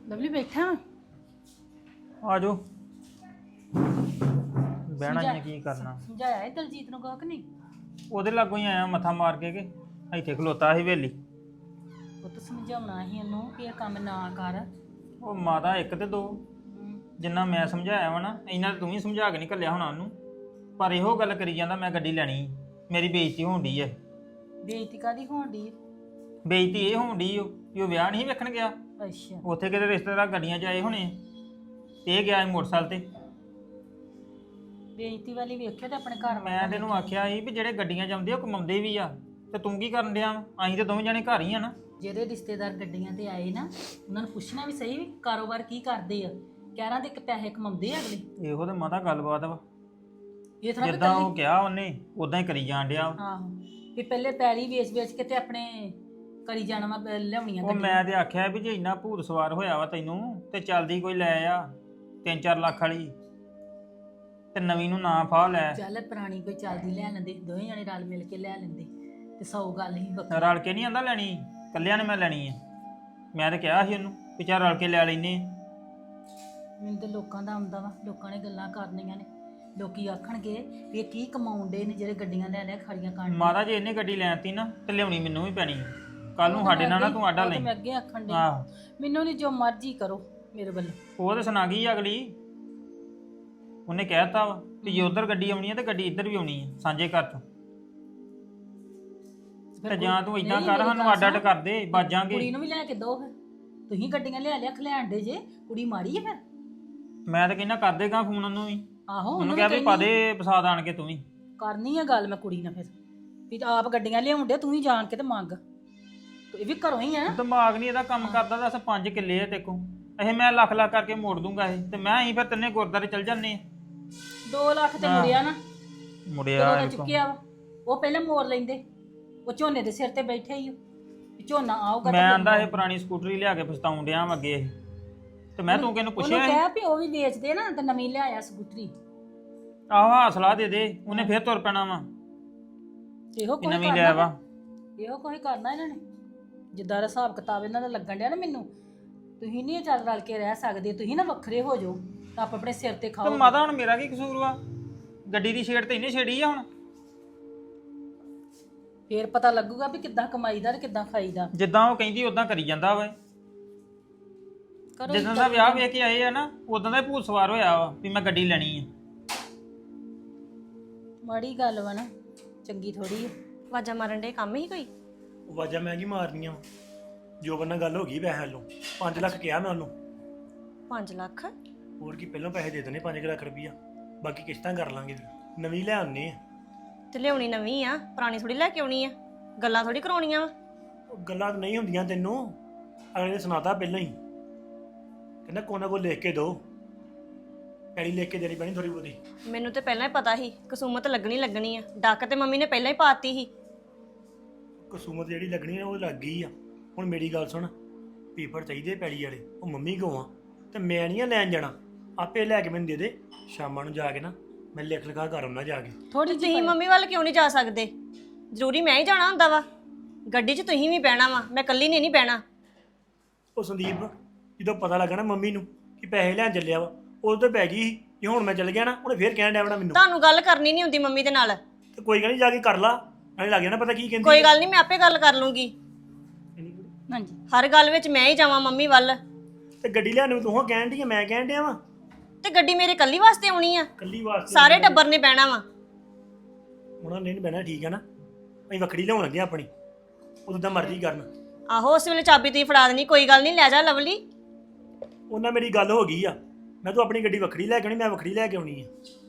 Lovely ਬੈਠਾ ਵਾਂ? ਆ ਜਾਓ ਬਹਿਣਾ ਹੀ ਆ, ਕੀ ਕਰਨਾ। ਸਮਝਾਇਆ ਹੈ ਦਲਜੀਤ ਨੂੰ ਕਹੋ ਕਿ ਨਹੀਂ? ਉਹਦੇ ਲਾਗੋਂ ਹੀ ਆਇਆ ਮੱਥਾ ਮਾਰ ਕੇ ਕਿ ਇੱਥੇ ਖਲੋਤਾ ਸੀ ਹਵੇਲੀ। ਉਹ ਤਾਂ ਸਮਝਾਉਣਾ ਸੀ ਉਹਨੂੰ ਕਿ ਇਹ ਕੰਮ ਨਾ ਕਰ। ਉਹ ਮਾਤਾ ਇੱਕ ਤੇ ਦੋ, ਜਿੰਨਾ ਮੈਂ ਸਮਝਾਇਆ ਵਾ ਨਾ ਇਹਨਾਂ ਤੂੰ ਵੀ ਸਮਝਾ ਕੇ ਨਹੀਂ ਘੱਲਿਆ ਹੋਣਾ ਉਹਨੂੰ। ਪਰ ਇਹੋ ਗੱਲ ਕਰੀ ਜਾਂਦਾ ਮੈਂ ਗੱਡੀ ਲੈਣੀ, ਮੇਰੀ ਬੇਇੱਜ਼ਤੀ ਹੋਣ ਡਈ ਐ। ਬੇਇੱਜ਼ਤੀ ਕਾਦੀ ਹੋਣ ਡਈ? ਬੇਇੱਜ਼ਤੀ ਇਹ ਹੋਣ ਡਈ ਉਹ ਵਿਆਹ ਨਹੀਂ ਵੇਖਣ ਗਿਆ, ਅੱਛਾ ਉੱਥੇ ਕਿਤੇ ਰਿਸ਼ਤੇਦਾਰ ਗੱਡੀਆਂ 'ਚ ਆਏ ਹੋਣੇ ਤੇ ਇਹ ਗਿਆ ਮੋਟਰਸਾਈਕਲ ਤੇ। ਬੇਇੱਜ਼ਤੀ ਵਾਲੀ ਵੇਖਿਓ ਤੇ ਆਪਣੇ ਘਰ ਮੈਂ ਤੈਨੂੰ ਆਖਿਆ ਸੀ ਵੀ ਜਿਹੜੇ ਗੱਡੀਆਂ 'ਚ ਆਉਂਦੇ ਉਹ ਕਮਾਉਂਦੇ ਵੀ ਆ, ਤੇ ਤੂੰ ਕੀ ਕਰਨ ਡਿਆ? ਅਸੀਂ ਤੇ ਦੋਵੇਂ ਜਣੇ ਘਰ ਹੀ ਆ ਨਾ। ਜਿਹੜੇ ਰਿਸ਼ਤੇਦਾਰ ਗੱਡੀਆਂ ਤੇ ਆਏ ਨਾ ਉਹਨਾਂ ਨੂੰ ਪੁੱਛਣਾ ਵੀ ਸਹੀ ਵੀ ਕਾਰੋਬਾਰ ਕੀ ਕਰਦੇ ਆ, ਕਹਿਰਾਂ ਦੇ ਪੈਸੇ ਕਮਾਉਂਦੇ ਆ ਅਗਲੇ। ਇਹੋ ਤੇ ਮਾਤਾ ਗੱਲਬਾਤ ਵਾ, ਇਹ ਥੋੜਾ ਜਿੱਦਾਂ ਉਹ ਕਿਹਾ ਉਹਨੇ ਉਦਾਂ ਹੀ ਕਰੀ ਜਾਣ ਡਿਆ। ਆਹੋ ਵੀ ਪਹਿਲੇ ਪੈਲੀ ਵੇਚ ਕੇ ਤੇ ਆਪਣੇ ਕਰੀ ਜਾਣਾ ਵਾ ਲਿਆਉਣੀਆਂ ਉਹ ਮੈਂ ਤੇ ਆਖਿਆ ਵੀ ਜੇ ਇੰਨਾ ਭੂਤ ਸਵਾਰ ਹੋਇਆ ਵਾ ਤੈਨੂੰ ਤੇ ਚੱਲਦੀ ਕੋਈ ਲੈ ਆ 3-4 ਲੱਖ ਵਾਲੀ, ਤੇ ਨਵੀਂ ਨੂੰ ਨਾ ਫਾਹ ਲੈ। ਚੱਲ ਪੁਰਾਣੀ ਕੋਈ ਚੱਲਦੀ ਲੈ ਲੈਂਦੇ, ਦੋਵੇਂ ਜਣੇ ਰਲ ਮਿਲ ਕੇ ਲੈ ਲੈਂਦੇ ਤੇ 100 ਗੱਲ ਹੀ ਵੱਖਰੀ। ਰਲ ਕੇ ਨਹੀਂ ਆਂਦਾ ਲੈਣੀ, ਕੱਲਿਆਂ ਨੇ ਮੈਂ ਲੈਣੀ ਆ। ਮੈਂ ਤੇ ਕਿਹਾ ਸੀ ਉਹਨੂੰ ਵੀ ਚੱਲ ਰਲ ਕੇ ਲੈ ਲੈਨੇ ਆ। ਮੈਨੂੰ ਤੇ ਲੋਕਾਂ ਦਾ ਆਉਂਦਾ ਵਾ, ਲੋਕਾਂ ਨੇ ਗੱਲਾਂ ਕਰਨੀਆਂ ਨੇ, ਲੋਕੀ ਆਖਣਗੇ ਵੀ ਇਹ ਕੀ ਕਮਾਉਂਦੇ ਨੇ ਜਿਹੜੇ ਗੱਡੀਆਂ ਲੈ ਖੜੀਆਂ ਕਰਨ। ਮਾਤਾ ਜੇ ਇਹਨੇ ਗੱਡੀ ਲੈਣਤੀ ਨਾ ਤੇ ਲਿਆਉਣੀ ਮੈਨੂੰ ਵੀ ਪੈਣੀ, ਕੱਲ ਨੂੰ ਸਾਡੇ ਨਾਲ ਨਾ ਤੂੰ ਆਡਾ ਲੈ। ਮੈਂ ਅੱਗੇ ਆਖਣ ਦੇ ਆਹੋ ਮੈਨੂੰ ਨਹੀਂ, ਜੋ ਮਰਜ਼ੀ ਕਰੋ ਮੇਰੇ ਵੱਲੋਂ। ਉਹ ਤੇ ਸੁਣਾ ਗਈ ਅਗਲੀ, ਉਹਨੇ ਕਹਿਤਾ ਵਾ ਕਿ ਜੇ ਉਧਰ ਗੱਡੀ ਆਉਣੀ ਹੈ ਤੇ ਗੱਡੀ ਇੱਧਰ ਵੀ ਆਉਣੀ ਹੈ ਸਾਂਝੇ ਘਰ ਚੋਂ। ਤੇ ਜਾਂ ਤੂੰ ਇਦਾਂ ਕਰ ਸਾਨੂੰ ਅੱਡ ਅੱਡ ਕਰ ਦੇ, ਬਾਜਾਂਗੇ। ਕੁੜੀ ਨੂੰ ਵੀ ਲੈ ਕੇ ਦੋ, ਫਿਰ ਤੁਸੀਂ ਗੱਡੀਆਂ ਲਿਆ ਖਲਿਆਣ ਦੇ ਜੇ, ਕੁੜੀ ਮਾੜੀ ਹੈ ਫਿਰ। ਮੈਂ ਤਾਂ ਕਹਿੰਦਾ ਕਰ ਦੇਗਾ ਫੋਨ ਉਹਨੂੰ ਵੀ। ਆਹੋ ਉਹਨੂੰ ਕਿਹਾ ਵੀ ਪਾ ਦੇ ਫਸਾਦ ਆਣ ਕੇ ਤੂੰ ਵੀ। ਕਰਨੀ ਆ ਗੱਲ ਮੈਂ ਕੁੜੀ ਨਾਲ, ਫਿਰ ਵੀ ਆਪ ਗੱਡੀਆਂ ਲਿਆਉਂਦੇ ਤੂੰ ਹੀ ਜਾਣ ਕੇ ਤੇ ਮੰਗ। ਇਹ ਵੀ ਘਰੋਂ ਹੀ ਆ। ਦਿਮਾਗ ਨਹੀਂ ਇਹਦਾ ਕੰਮ ਕਰਦਾ। ਦੱਸ 5 ਕਿੱਲੇ ਆ ਦੇਖੋ, ਇਹ ਮੈਂ ਲੱਖ ਲੱਖ ਕਰਕੇ ਮੋੜ ਦੂੰਗਾ ਇਹ, ਤੇ ਮੈਂ ਹੀ ਫਿਰ ਤਿੰਨੇ ਗੁਰਦਾਰੇ ਚਲ ਜਾਂਦੇ ਆ। 2 ਲੱਖ ਤੇ ਮੁੜਿਆ ਨਾ, ਮੁੜਿਆ ਉਹਦਾ ਚੁੱਕਿਆ ਵਾ, ਉਹ ਪਹਿਲਾਂ ਮੋੜ ਲੈਂਦੇ। ਉਹ ਝੋਨੇ ਦੇ ਸਿਰ ਤੇ ਬੈਠੇ ਹੀ ਝੋਨਾ ਆਊਗਾ। ਮੈਂ ਆਂਦਾ ਇਹ ਪੁਰਾਣੀ ਸਕੂਟਰੀ ਲਿਆ ਕੇ ਪਛਤਾਉਣ ਡਿਆ ਵਾਂ ਅੱਗੇ ਇਹ, ਤੇ ਮੈਂ ਤੂੰ ਕਿਹਨੂੰ ਪੁੱਛਿਆ? ਉਹਨੂੰ ਕਹਿ ਵੀ ਉਹ ਵੀ ਵੇਚਦੇ ਨਾ ਤੇ ਨਵੀਂ ਲਿਆਇਆ ਸਕੂਟਰੀ। ਆਹੋ ਹੌਸਲਾ ਦੇ ਦੇ, ਉਹਨੇ ਫੇਰ ਤੁਰ ਪੈਣਾ ਵਾ। ਇਹੋ ਕੋਈ ਨਵੀਂ ਲਿਆ ਵਾ, ਇਹੋ ਕੋਈ ਕਰਨਾ ਇਹਨਾਂ ਨੇ, ਜਿੱਦਾਂ ਦਾ ਹਿਸਾਬ ਕਿਤਾਬ ਇਹਨਾਂ ਦਾ ਲੱਗਣ ਡਿਆ ਨਾ ਮੈਨੂੰ। ਤੁਸੀਂ ਨਹੀਂ ਚੱਲ ਰਲ ਕੇ ਰਹਿ ਸਕਦੇ, ਤੁਸੀਂ ਨਾ ਵੱਖਰੇ ਹੋ ਜਾਓ ਤਾਂ ਆਪ ਆਪਣੇ ਸਿਰ ਤੇ ਖਾਓ। ਤੇ ਮਾਤਾ ਹੁਣ ਮੇਰਾ ਕੀ ਕਸੂਰ ਵਾ? ਗੱਡੀ ਦੀ ਛੇੜ ਤੇ ਇਹਨੇ ਛੇੜੀ ਆ ਹੁਣ। ਫੇਰ ਪਤਾ ਲੱਗੂਗਾ ਵੀ ਕਿੱਦਾਂ ਕਮਾਈਦਾ ਤੇ ਕਿੱਦਾਂ ਖਾਈਦਾ। ਜਿੱਦਾਂ ਉਹ ਕਹਿੰਦੀ ਉਦਾਂ ਕਰੀ ਜਾਂਦਾ ਵਾ। ਜਿੱਦਾਂ ਦਾ ਵਿਆਹ ਵੇਖ ਕੇ ਆਏ ਆ ਨਾ ਉਦਾਂ ਦਾ ਹੀ ਭੂਤ ਸਵਾਰ ਹੋਇਆ ਵਾ ਵੀ ਮੈਂ ਗੱਡੀ ਲੈਣੀ ਆ। ਮਾੜੀ ਗੱਲ ਵਾ ਨਾ, ਚੰਗੀ ਥੋੜੀ ਆ। ਆਵਾਜ਼ਾਂ ਮਾਰਨ ਦੇ ਕੰਮ ਹੀ ਕੋਈ? ਆਵਾਜ਼ਾਂ ਮੈਂ ਕੀ ਮਾਰਨੀਆਂ, ਜੋ ਬੰਨਾ ਗੱਲ ਹੋ ਗਈ ਪੈਸੇ ਵੱਲੋਂ। 5 ਲੱਖ ਕਿਹਾ ਮੈਂ ਉਹਨੂੰ। 5 ਲੱਖ? ਹੋਰ ਕੀ, ਪਹਿਲਾਂ ਪੈਸੇ ਦੇ ਦੇਣੇ 5 ਲੱਖ ਰੁਪਈਆ, ਬਾਕੀ ਕਿਸ਼ਤਾਂ ਕਰ ਲਾਂਗੇ। ਨਵੀਂ ਲੈ ਆਉਣੀ ਆ। ਤੇ ਲਿਆਉਣੀ ਨਵੀਂ ਆ, ਪੁਰਾਣੀ ਥੋੜੀ ਲੈ ਕੇ ਆਉਣੀ ਆ। ਗੱਲਾਂ ਥੋੜੀ ਕਰਾਉਣੀਆਂ ਵਾ। ਉਹ ਗੱਲਾਂ ਤਾਂ ਨਹੀਂ ਹੁੰਦੀਆਂ ਤੈਨੂੰ, ਅਗਲੇ ਨੇ ਸੁਣਾਤਾ ਪਹਿਲਾਂ ਹੀ। ਕਹਿੰਦਾ ਕੋਨਾ ਕੋ ਲਿਖ ਕੇ ਦੋ, ਪੈੜੀ ਲਿਖ ਕੇ ਦੇਣੀ ਪੈਣੀ ਥੋੜੀ ਬਹੁਤੀ। ਮੈਨੂੰ ਤੇ ਪਹਿਲਾਂ ਹੀ ਪਤਾ ਸੀ ਕਸੂਮਤ ਲੱਗਣੀ ਆ। ਡੱਕ ਤੇ ਮੰਮੀ ਨੇ ਪਹਿਲਾਂ ਹੀ ਪਾਤੀ ਸੀ। ਕਸੂਮਤ ਜਿਹੜੀ ਲੱਗਣੀ ਆ ਉਹ ਲੱਗ ਗਈ ਆ। ਹੁਣ ਮੇਰੀ ਗੱਲ ਸੁਣ, ਪੇਪਰ ਚਾਹੀਦੇ ਪੈੜੀ ਵਾਲੇ, ਉਹ ਮੰਮੀ ਕੋਲ ਆ ਤੇ ਮੈਂ ਨਹੀਂ ਆ ਲੈਣ ਜਾਣਾ, ਆਪੇ ਲੈ ਕੇ ਮੈਨੂੰ ਦੇ ਦੇ। ਸ਼ਾਮਾਂ ਨੂੰ ਜਾ ਕੇ ਨਾ ਮੈਂ ਲਿਖ ਲਿਖਾ ਕਰ ਆਉਣਾ ਜਾ ਕੇ। ਥੋੜੀ ਤੁਸੀਂ ਮੰਮੀ ਵੱਲ ਕਿਉਂ ਨਹੀਂ ਜਾ ਸਕਦੇ? ਜ਼ਰੂਰੀ ਮੈਂ ਹੀ ਜਾਣਾ ਹੁੰਦਾ ਵਾ? ਗੱਡੀ 'ਚ ਤੁਸੀਂ ਵੀ ਬਹਿਣਾ ਵਾ, ਮੈਂ ਇਕੱਲੀ ਨੇ ਨਹੀਂ ਬਹਿਣਾ। ਉਹ ਸੰਦੀਪ ਜਦੋਂ ਪਤਾ ਲੱਗਾ ਨਾ ਮੰਮੀ ਨੂੰ ਕਿ ਪੈਸੇ ਲੈਣ ਚੱਲਿਆ ਵਾ, ਉਦੋਂ ਤੇ ਪੈ ਗਈ ਸੀ। ਜੇ ਹੁਣ ਮੈਂ ਚੱਲ ਗਿਆ ਨਾ, ਉਹਨੇ ਫੇਰ ਕਹਿਣ ਡਿਆ ਵੜਾ ਮੈਨੂੰ। ਤੁਹਾਨੂੰ ਗੱਲ ਕਰਨੀ ਨਹੀਂ ਹੁੰਦੀ ਮੰਮੀ ਦੇ ਨਾਲ? ਤੇ ਕੋਈ ਗੱਲ ਨਹੀਂ, ਜਾ ਕੇ ਕਰ ਲਾ, ਐਂ ਲੱਗ ਜਾਣਾ ਪਤਾ ਕੀ ਕਹਿੰਦੀ। ਕੋਈ ਗੱਲ ਨਹੀਂ, ਮੈਂ ਆਪੇ ਗੱਲ ਕਰ ਲੂੰਗੀ। ਹਾਂਜੀ ਹਰ ਗੱਲ ਵਿੱਚ ਮੈਂ ਹੀ ਜਾਵਾਂ ਮੰਮੀ ਵੱਲ? ਤੇ ਗੱਡੀ ਲੈਣ ਨੂੰ ਤੂੰ ਕਹਿਣ ਡਈ ਆ, ਮੈਂ ਕਹਿਣ ਡਿਆ ਵਾ। ਤੇ ਗੱਡੀ ਮੇਰੇ ਇਕੱਲੀ ਵਾਸਤੇ ਆਉਣੀ ਆ? ਕੱਲੀ ਵਾਸਤੇ ਸਾਰੇ ਟੱਬਰ ਨੇ ਬਹਿਣਾ ਵਾ। ਉਹਨਾਂ ਨੇ ਨੀ ਬਹਿਣਾ, ਠੀਕ ਹੈ ਨਾ? ਅਸੀਂ ਵੱਖਰੀ ਲਿਆਉਣ ਲੱਗੇ ਆਪਣੀ, ਉਦੋਂ ਤਾਂ ਮਰਜ਼ੀ ਕਰਨ। ਆਹੋ ਉਸ ਵੇਲੇ ਚਾਬੀ ਤੁਸੀਂ ਫੜਾ ਦੇਣੀ, ਕੋਈ ਗੱਲ ਨਹੀਂ, ਲੈ ਜਾ ਲਵਲੀ। ਉਹਨਾਂ ਮੇਰੀ ਗੱਲ ਹੋ ਗਈ ਆ, ਮੈਂ ਤੂੰ ਆਪਣੀ ਗੱਡੀ ਵੱਖਰੀ ਲੈ ਕੇ ਆਉਣੀ, ਮੈਂ ਵੱਖਰੀ ਲੈ ਕੇ ਆਉਣੀ ਆ।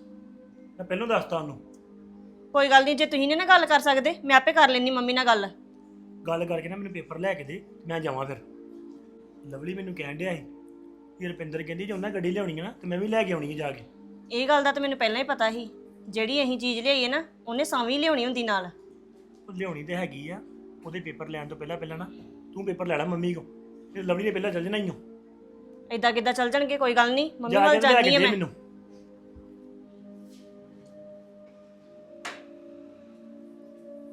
ਮੈਂ ਪਹਿਲਾਂ ਦੱਸਤਾ ਉਹਨੂੰ। ਕੋਈ ਗੱਲ ਨਹੀਂ, ਜੇ ਤੁਸੀਂ ਨੇ ਨਾ ਗੱਲ ਕਰ ਸਕਦੇ, ਮੈਂ ਆਪੇ ਕਰ ਲੈਣੀ ਮੰਮੀ ਨਾਲ ਗੱਲ ਕਰਕੇ ਨਾ ਮੈਨੂੰ ਪੇਪਰ ਲੈ ਕੇ ਦੇ, ਮੈਂ ਜਾਵਾਂ ਫਿਰ। ਲਵਲੀ ਮੈਨੂੰ ਕਹਿਣ ਡਿਆ ਸੀ ਕਿ ਰੁਪਿੰਦਰ ਕਹਿੰਦੀ ਜੇ ਉਹਨਾਂ ਗੱਡੀ ਲਿਆਉਣੀ ਆ ਨਾ ਤੇ ਮੈਂ ਵੀ ਲੈ ਕੇ ਆਉਣੀ ਆ ਜਾ ਕੇ। ਇਹ ਗੱਲ ਦਾ ਤਾਂ ਮੈਨੂੰ ਪਹਿਲਾਂ ਹੀ ਪਤਾ ਸੀ, ਜਿਹੜੀ ਅਸੀਂ ਚੀਜ਼ ਲਿਆਈਏ ਨਾ ਉਹਨੇ ਸਾਵੀਂ ਲਿਆਉਣੀ ਹੁੰਦੀ ਨਾਲ। ਉਹ ਲਿਆਉਣੀ ਤੇ ਹੈਗੀ ਆ, ਉਹਦੇ ਪੇਪਰ ਲੈਣ ਤੋਂ ਪਹਿਲਾਂ ਨਾ ਤੂੰ ਪੇਪਰ ਲੈ ਲੈ ਮੰਮੀ ਕੋ, ਤੇ ਲਵਲੀ ਨੇ ਪਹਿਲਾਂ ਚੱਲ ਜਾਣਾ ਹੀ ਹੋ। ਏਦਾਂ ਕਿੱਦਾਂ ਚੱਲ ਜਾਣਗੇ? ਕੋਈ ਗੱਲ ਨਹੀਂ, ਮੰਮੀ ਜਾ ਵੱਲ ਕੇ ਲੈ ਜਾਂਦੀ ਕੇ ਆ ਦੇ ਮੈਂ। ਮੈਨੂੰ।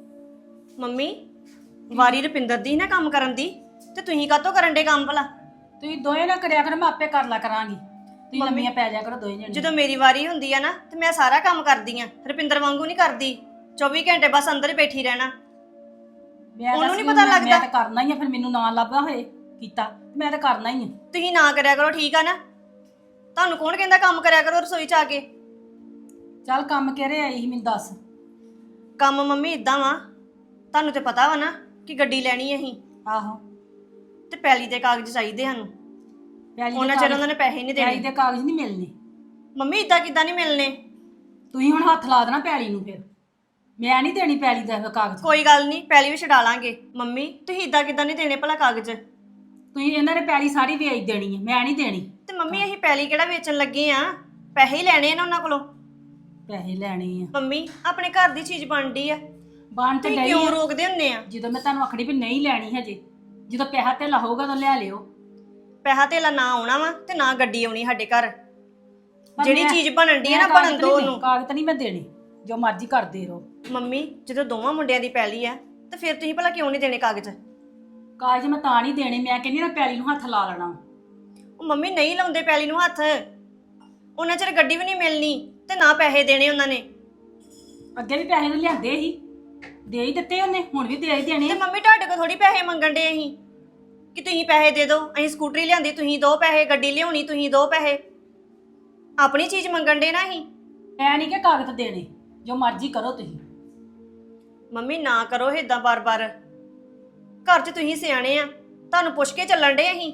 ਮੰਮੀ ਵਾਰੀ ਰੁਪਿੰਦਰ ਦੀ ਨਾ ਕੰਮ ਕਰਨ ਦੀ, ਤੇ ਤੁਸੀਂ ਕਾਹਤੋਂ ਕਰਨ ਦੇ ਕੰਮ ਭਲਾ? ਤੁਸੀਂ ਦੋਵੇਂ ਨਾ ਕਰਿਆ ਕਰੋ, ਮੈਂ ਆਪੇ ਕਰ ਲਾ ਕਰਾਂਗੀ। ਤੁਸੀਂ ਲੰਮੀਆਂ ਪੈ ਜਾ ਕਰੋ ਦੋਵੇਂ ਜਣੇ। ਜਦੋਂ ਮੇਰੀ ਵਾਰੀ ਹੁੰਦੀ ਆ ਨਾ ਤੇ ਮੈਂ ਸਾਰਾ ਕੰਮ ਕਰਦੀ ਆ, ਰੁਪਿੰਦਰ ਵਾਂਗੂ ਨਹੀਂ ਕਰਦੀ 24 ਘੰਟੇ ਬਸ ਅੰਦਰ ਹੀ ਬੈਠੀ ਰਹਿਣਾ। ਉਹਨੂੰ ਨੀ ਪਤਾ ਲੱਗਦਾ। ਮੈਂ ਤਾਂ ਕਰਨਾ ਹੀ ਆ, ਫਿਰ ਮੈਨੂੰ ਨਾ ਲੱਭਾ ਹੋਏ ਕੀਤਾ ਤੇ ਮੈਂ ਤਾਂ ਕਰਨਾ ਹੀ ਆ। ਤੁਸੀਂ ਨਾ ਕਰਿਆ ਕਰੋ, ਠੀਕ ਆ ਨਾ? ਤੁਹਾਨੂੰ ਕੌਣ ਕਹਿੰਦਾ ਕੰਮ ਕਰਿਆ ਕਰੋ ਰਸੋਈ 'ਚ ਆ ਕੇ? ਚੱਲ ਕੰਮ ਕਿਹੜੇ ਆਈ ਸੀ ਮੈਨੂੰ ਦੱਸ। ਕੰਮ ਮੰਮੀ ਇਦਾਂ ਵਾ, ਤੁਹਾਨੂੰ ਤੇ ਪਤਾ ਵਾ ਨਾ ਕਿ ਗੱਡੀ ਲੈਣੀ ਅਸੀਂ, ਆਹੋ, ਤੇ ਪੈਲੀ ਦੇ ਕਾਗਜ਼ ਚਾਹੀਦੇ ਸਾਨੂੰ। ਪੈਲੀ ਦੇ ਉਹਨਾਂ ਚਿਰ ਉਹਨਾਂ ਨੇ ਪੈਸੇ ਨਹੀਂ ਪੈਲੀ ਦੇਣੇ। ਦੇ ਕਾਗਜ਼ ਨਹੀਂ ਮਿਲਨੇ। ਮੰਮੀ ਇਦਾਂ ਕਿੱਦਾਂ ਨਹੀਂ ਮਿਲਨੇ? ਤੁਸੀਂ ਹੁਣ ਹੱਥ ਲਾ ਦੇਣਾ ਪੈਲੀ ਨੂੰ, ਫਿਰ ਮੈਂ ਨਹੀਂ ਦੇਣੀ ਪੈਲੀ ਦਾ ਕਾਗਜ਼। ਕੋਈ ਗੱਲ ਨਹੀਂ, ਪੈਲੀ ਵੀ ਛਡਾ ਲਾਂਗੇ। ਮੰਮੀ ਤੁਸੀਂ ਇਦਾਂ ਕਿੱਦਾਂ ਨਹੀਂ ਦੇਣੇ ਭਲਾ ਕਾਗਜ਼? ਤੁਸੀਂ ਇਹਨਾਂ ਨੇ ਪੈਲੀ ਸਾਰੀ ਵੇਚ ਦੇਣੀ ਹੈ, ਮੈਂ ਨਹੀਂ ਦੇਣੀ। ਤੇ ਮੰਮੀ ਅਸੀਂ ਪੈਲੀ ਕਿਹੜਾ ਵੇਚਣ ਲੱਗੇ ਆ? ਪੈਸੇ ਹੀ ਲੈਣੇ ਆ ਨਾ ਉਹਨਾਂ ਕੋਲੋਂ। ਪੈਸੇ ਲੈਣੇ ਆ। ਮੰਮੀ ਆਪਣੇ ਘਰ ਦੀ ਚੀਜ਼ ਬਣਦੀ ਆ, ਬਣ ਤੇ ਤੁਸੀਂ ਗਈ ਕਿਉਂ ਆ। ਰੋਕਦੇ ਹੁੰਨੇ ਆ? ਜਦੋਂ ਮੈਂ ਤੁਹਾਨੂੰ ਆਖੜੀ ਵੀ ਨਹੀਂ ਲੈਣੀ ਹਜੇ, ਜਦੋਂ ਪੈਸਾ ਧੇਲਾ ਹੋਊਗਾ ਤਾਂ ਲੈ ਲਿਓ। ਪੈਸਾ ਧੇਲਾ ਨਾ ਆਉਣਾ ਵਾ ਤੇ ਨਾ ਗੱਡੀ ਆਉਣੀ ਸਾਡੇ ਘਰ। ਪਰ ਜਿਹੜੀ ਮੈਂ- ਚੀਜ਼ ਬਣਨ ਦੀ ਆ ਨਾ ਮੈਂ ਬਣਨ ਕਾਗਜ਼ ਦੋ ਨਹੀਂ ਉਹਨੂੰ। ਕਾਗਜ਼ ਨਹੀਂ ਮੈਂ ਦੇਣੇ, ਜੋ ਮਰਜ਼ੀ ਕਰਦੇ ਰਹੋ। ਮੰਮੀ ਜਦੋਂ ਦੋਵਾਂ ਮੁੰਡਿਆਂ ਦੀ ਪੈਲੀ ਆ ਤੇ ਫਿਰ ਤੁਸੀਂ ਭਲਾ ਕਿਉਂ ਨਹੀਂ ਦੇਣੇ ਕਾਗਜ਼? ਕਾਗਜ਼ ਮੈਂ ਤਾਂ ਨਹੀਂ ਦੇਣੇ, ਮੈਂ ਕਹਿੰਦੀ ਨਾ ਪੈਲੀ ਨੂੰ ਹੱਥ ਲਾ ਲੈਣਾ। ਉਹ ਮੰਮੀ ਨਹੀਂ ਲਾਉਂਦੇ ਪੈਲੀ ਨੂੰ ਹੱਥ, ਉਹਨਾਂ ਚਿਰ ਗੱਡੀ ਵੀ ਨਹੀਂ ਮਿਲਣੀ ਤੇ ਨਾ ਪੈਸੇ ਦੇਣੇ ਉਹਨਾਂ ਨੇ। ਅੱਗੇ ਵੀ ਪੈਸੇ ਤਾਂ ਲਿਆਂਦੇ ਸੀ, ਦੇ ਹੀ ਦਿੱਤੇ ਉਹਨੇ, ਹੁਣ ਵੀ ਦੇ ਹੀ ਦੇਣੇ। ਤੇ ਮੰਮੀ ਤੁਹਾਡੇ ਕੋਲ ਥੋੜੀ ਪੈਸੇ ਮੰਗਣ ਦੇ ਅਸੀਂ ਕਿ ਤੁਸੀਂ ਪੈਸੇ ਦੇ ਦਿਓ। ਅਸੀਂ ਸਕੂਟਰੀ ਲਿਆਂਦੀ ਤੁਸੀਂ ਦੋ ਪੈਸੇ, ਗੱਡੀ ਲਿਆਉਣੀ ਤੁਸੀਂ ਦੋ ਪੈਸੇ। ਆਪਣੀ ਚੀਜ਼ ਮੰਗਣ ਦੇ ਨਾ ਅਸੀਂ। ਮੈਂ ਨਹੀਂ ਕਿ ਕਾਗਜ਼ ਦੇਣੇ, ਜੋ ਮਰਜ਼ੀ ਕਰੋ ਤੁਸੀਂ। ਮੰਮੀ ਨਾ ਕਰੋ ਏਦਾਂ ਬਾਰ-ਬਾਰ, ਘਰ 'ਚ ਤੁਸੀਂ ਸਿਆਣੇ ਆ, ਤੁਹਾਨੂੰ ਪੁੱਛ ਕੇ ਚੱਲਣ ਦੇ ਅਸੀਂ।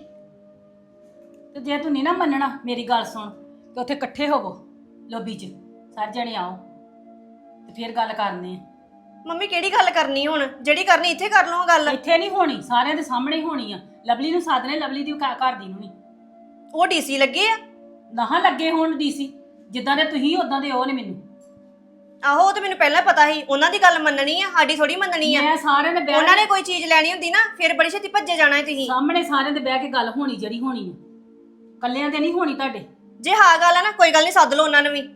ਤੇ ਜੇ ਤੂੰ ਨਹੀਂ ਨਾ ਮੰਨਣਾ ਮੇਰੀ ਗੱਲ ਸੁਣ, ਤੇ ਉੱਥੇ ਇਕੱਠੇ ਹੋਵੋ ਲੋਬੀ 'ਚ, ਸਾਰੇ ਜਣੇ ਆਓ ਤੇ ਫਿਰ ਗੱਲ ਕਰਨੀ ਆ। ਮੰਮੀ ਕਿਹੜੀ ਗੱਲ ਕਰਨੀ ਹੁਣ? ਜਿਹੜੀ ਕਰਨੀ ਇੱਥੇ ਕਰ ਲਓ ਗੱਲ। ਇੱਥੇ ਨਹੀਂ ਹੋਣੀ, ਸਾਰਿਆਂ ਦੇ ਸਾਹਮਣੇ ਹੀ ਹੋਣੀ ਆ। ਲਵਲੀ ਨੂੰ ਸਾਧਨੇ, ਲਵਲੀ ਦੀ ਘਰ ਦੀ ਨੂੰ ਨਹੀਂ। ਉਹ ਡੀਸੀ ਲੱਗੇ ਆ। ਨਾ ਲੱਗੇ ਹੋਣ ਡੀਸੀ, ਜਿੱਦਾਂ ਦੇ ਤੁਸੀਂ ਉਦਾਂ ਦੇ ਉਹ ਨੇ ਮੈਨੂੰ। ਆਹੋ ਉਹ ਤਾਂ ਮੈਨੂੰ ਪਹਿਲਾਂ ਪਤਾ ਸੀ, ਉਹਨਾਂ ਦੀ ਗੱਲ ਮੰਨਣੀ ਆ, ਸਾਡੀ ਥੋੜੀ ਮੰਨਣੀ ਆ। ਮੈਂ ਸਾਰਿਆਂ ਦੇ ਬਹਿ ਉਹਨਾਂ ਨੇ ਕੋਈ ਚੀਜ਼ ਲੈਣੀ ਹੁੰਦੀ ਨਾ ਫਿਰ ਬੜੀ ਛੇਤੀ ਭੱਜੇ ਜਾਣਾ ਹੈ ਤੁਸੀਂ। ਸਾਹਮਣੇ ਸਾਰਿਆਂ ਦੇ ਬਹਿ ਕੇ ਗੱਲ ਹੋਣੀ ਜਿਹੜੀ ਹੋਣੀ ਆ, ਕੱਲਿਆਂ ਦੇ ਨਹੀਂ ਹੋਣੀ ਤੁਹਾਡੇ। ਜੇ ਹਾਂ ਗੱਲ ਆ ਨਾ ਕੋਈ ਗੱਲ ਨਹੀਂ, ਸੱਦ ਲਓ ਉਹਨਾਂ ਨੂੰ ਵੀ।